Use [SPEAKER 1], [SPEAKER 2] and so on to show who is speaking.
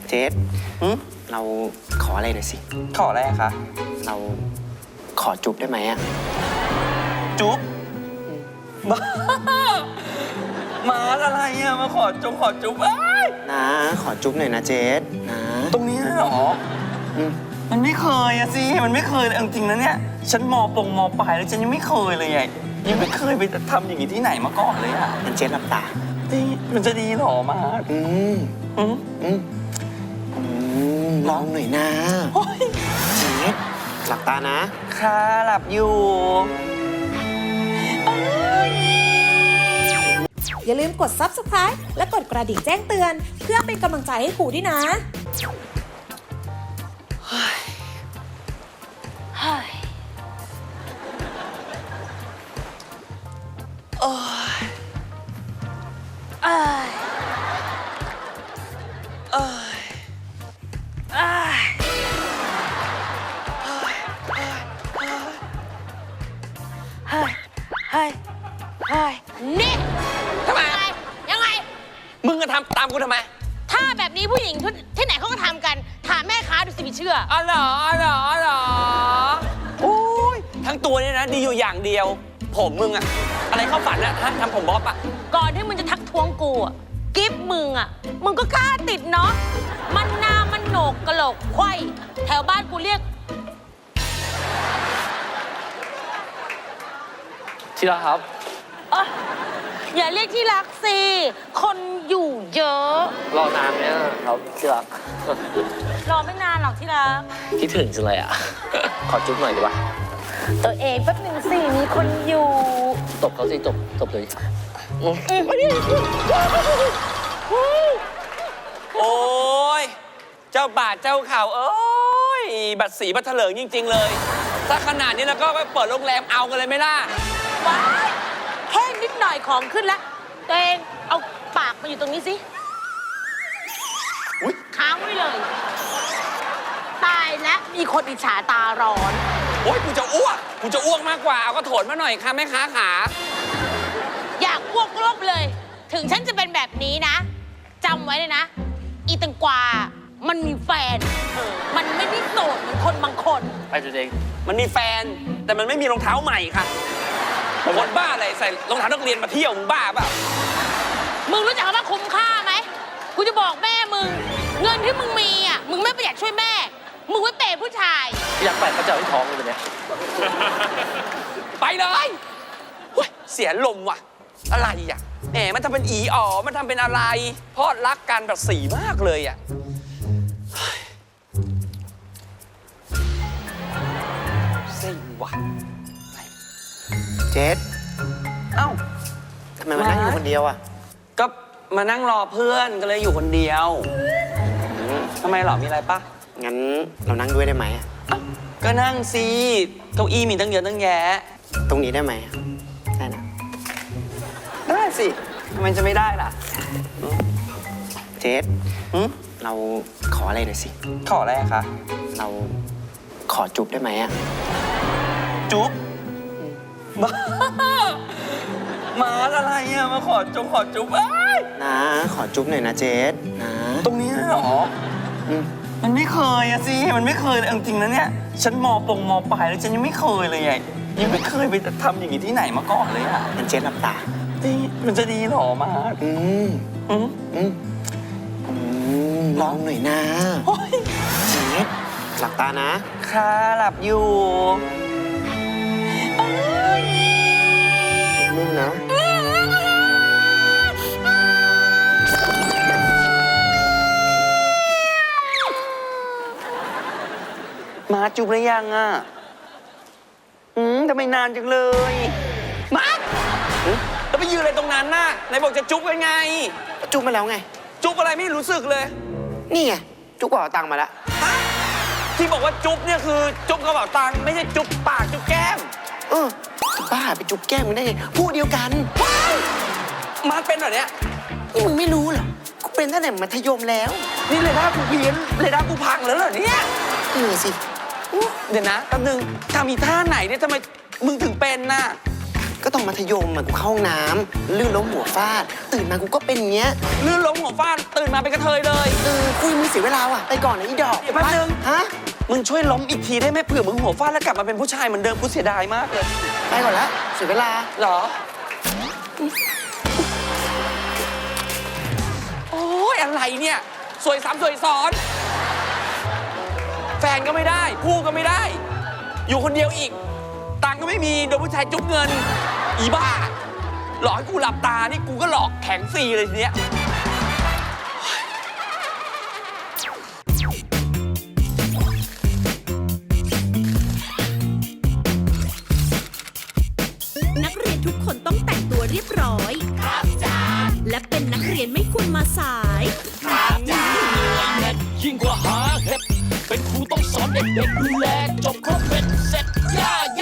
[SPEAKER 1] เจสเราขออะไรหน่อยสิ
[SPEAKER 2] ขออะไรคะ
[SPEAKER 1] เราขอจุ๊บได้ไหมอะ
[SPEAKER 2] จุ๊บบ้ามาอะไรอะมาขอจุ๊บ
[SPEAKER 1] นะขอจุ๊บหน่อยนะเจสนะ
[SPEAKER 2] ตรงนี้เหรอมันไม่เคยอะสิมันไม่เคยเลยจริงๆนะเนี่ยฉันมปลายแล้วฉันยังไม่เคยเลยไงยังไม่เคยไปทำอย่างนี้ที่ไหนมาก่อนเลยอะ
[SPEAKER 1] งั้นเจสหลับตา
[SPEAKER 2] มันจะดีเหรอมา
[SPEAKER 1] ลองหน่อยนะเจสหลับตานะ
[SPEAKER 2] ค่ะหลับอยู่
[SPEAKER 3] อย่าลืมกด Subscribe และกดกระดิ่งแจ้งเตือนเพื่อเป็นกำลังใจให้ครูด้วยนะ
[SPEAKER 4] นี่ทำไมยังไง
[SPEAKER 2] มึงจะทำตามกูทำไม
[SPEAKER 4] ถ้าแบบนี้ผู้หญิงที่ไหนเขาก็ทำกันถามแม่ค้าดูสิไม่เชื่อ
[SPEAKER 2] อ๋อเหรอโอ้ยทั้งตัวเนี่ยนะดีอยู่อย่างเดียวผมมึงอะอะไรเข้าฝันอะทำผมบ๊อบอะ
[SPEAKER 4] ก่อนที่มึงจะทักท้วงกูอะกิฟมึงอะมึงก็กล้าติดเนาะมันหน้ามันโหนกกะโหลกไขว้แถวบ้านกูเรียก
[SPEAKER 2] ที่รักครับ
[SPEAKER 4] อย่าเรียกที่รักสิคนอยู่เยอะ
[SPEAKER 2] รอนานเนี่ยครับที่รัก
[SPEAKER 4] รอไม่นานหรอกที่รัก
[SPEAKER 2] คิดถึงจังเลยอะขอจุ๊บหน่อยดีป่ะ
[SPEAKER 4] ตัวเองแป๊บนึงสิมีคนอยู่
[SPEAKER 2] ตบเขาสิตบเลยโอ้ยเจ้าบาทเจ้าข่าวเอ้ยบัตรสีบัตรเถลิงจริงๆเลยถ้าขนาดนี้แล้วก็ไปเปิดโรงแรมเอากันเลยไหมล่ะ
[SPEAKER 4] ว้ายแค่นิดหน่อยของขึ้นแล้วตัวเองเอาปากมาอยู่ตรงนี้สิค้างไว้เลยตายแล้วมีคนอิจฉาตาร้อน
[SPEAKER 2] โอ๊ยกูจะอ้วกมากกว่าเอาก็โถนมาหน่อยค่ะแม่ค้าขา
[SPEAKER 4] อยากอ้วกรบเลยถึงฉันจะเป็นแบบนี้นะจำไว้เลยนะอีตังกวามันมีแฟนมันไม่ได้โสดเหมือนคนบางคน
[SPEAKER 2] ไปตัวเองมันมีแฟนแต่มันไม่มีรองเท้าใหม่ค่ะคนบ้าอะไรใส่รองเท้านักเรียนมาเที่ยวมึงบ้าเปล่า
[SPEAKER 4] มึงรู้จักคำว่าคุ้มค่าไหมกูจะบอกแม่มึงเงินที่มึงมีอ่ะมึงไม่ประหยัดช่วยแม่มึงไว้เปย์ผู้ชาย
[SPEAKER 2] อยากไปเขาจะเอาที่ท้องเลยเนี่ยไปเลยเสียลมว่ะอะไรอ่ะแหมมันทำเป็นอีอ๋อมันทำเป็นอะไรพอดรักกันแบบสีมากเลยอ่ะเซ็งว่ะ
[SPEAKER 1] เจส
[SPEAKER 2] เอ้า
[SPEAKER 1] ทำไมมานั่งอยู่คนเดียวอะ
[SPEAKER 2] ก็มานั่งรอเพื่อนก็เลยอยู่คนเดียวทำไมหรอมีอะไรปะ
[SPEAKER 1] งั้นเรานั่งด้วยได้ไหม
[SPEAKER 2] ก็นั่งสิเก้าอี้มีตั้งเยอะตั้งแยะ
[SPEAKER 1] ตรงนี้ได้ไหมได้นะ
[SPEAKER 2] ได้สิทำไมจะไม่ได้ล่ะ
[SPEAKER 1] เจสเราขออะไรหน่อยสิ
[SPEAKER 2] ขออะไรคะ
[SPEAKER 1] เราขอจุ๊บได้ไหมอะ
[SPEAKER 2] จุ๊บบ้ามาอะไรอะมาขอจุ๊บ
[SPEAKER 1] นะขอจุ๊บหน่อยนะเจสนะ
[SPEAKER 2] ตรงนี้เหรอมันไม่เคยอะสิมันไม่เคยเลยจริงๆนะเนี่ยฉันมปลายแล้วฉันยังไม่เคยเลยไงยังไม่เคยไปทำอย่างนี้ที่ไหนมาก่อนเลยอะ
[SPEAKER 1] งั้นเจสหลับตา
[SPEAKER 2] มันจะดีเหรอมา
[SPEAKER 1] ลองหน่อยนะเจสหลับตานะ
[SPEAKER 2] ค่ะหลับอยู่
[SPEAKER 1] นิ่งนะ
[SPEAKER 2] มาจุ๊บหรือยังอ่ะทำไมนานจังเลยมาแล้วไปยืนอะไรตรงนั้นน่ะไหนบอกจะจุ๊บกันไง
[SPEAKER 1] จุ๊บมาแล้วไง
[SPEAKER 2] จุ๊บอะไรไม่รู้สึกเลย
[SPEAKER 1] นี่ไงจุ๊บกระเป๋าตังค์มาแล้ว
[SPEAKER 2] ที่บอกว่าจุ๊บเนี่ยคือจุ๊บกระเป๋าตังค์ไม่ใช่จุ๊บปากจุ๊บแก้ม
[SPEAKER 1] บ้าไปจุ๊บแก้มมึงได้ไงพูดเดียวกัน
[SPEAKER 2] มาเป็นเหรอเนี่ย
[SPEAKER 1] มึงไม่รู้เหรอกูเป็นตั้งแต่มัธยมแล้ว
[SPEAKER 2] นี่เลยด้ากูเพี้ยนเลยด้ากูพังแล้วเหรอเนี่ย
[SPEAKER 1] สิ
[SPEAKER 2] เดี๋ยวนะแป๊บนึงทำอีท่าไหนเนี่ยทำไมมึงถึงเป็นน่ะ
[SPEAKER 1] ก็ตอนมัธยมอะกูเข้าห้องน้ำลื่นล้มหัวฟาด ตื่นมากูก็เป็นอย่างเงี้ย
[SPEAKER 2] ลื่นล้มหัวฟาดตื่นมาเป็นกระเทยเลย
[SPEAKER 1] คุยมึงเสียเวลาว่ะ ไปก่อนนะอีดอก
[SPEAKER 2] เดี๋ยวแป๊บนึง
[SPEAKER 1] ฮะ
[SPEAKER 2] มึงช่วยล้มอีกทีได้ไหมเผื่อมึงหัวฟาดแล้วกลับมาเป็นผู้ชายเหมือนเดิมกูเสียดายมากเลย
[SPEAKER 1] ไปก่อนละเสียเวลา
[SPEAKER 2] เหรอ โอ้ยอะไรเนี่ย สวยซ้ำสวยซ้อน แฟนก็ไม่ได้ผู้ก็ไม่ได้ อยู่คนเดียวอีก ตังค์ก็ไม่มีโดนผู้ชายจุ๊บเงิน อีบ้า หลอกให้กูหลับตานี่กูก็หลอกแข็งฟรีเลยทีเนี้ย
[SPEAKER 5] นักเรียนทุกคนต้องแต่งตัวเรียบร้อย ครับจ้าและเป็นนักเรียนไม่ควรมาสาย
[SPEAKER 6] ยิ่งกว่าหาเห็ดเป็นครูต้องสอนเด็กๆดูแลจบครบเป็นเสร็จย่า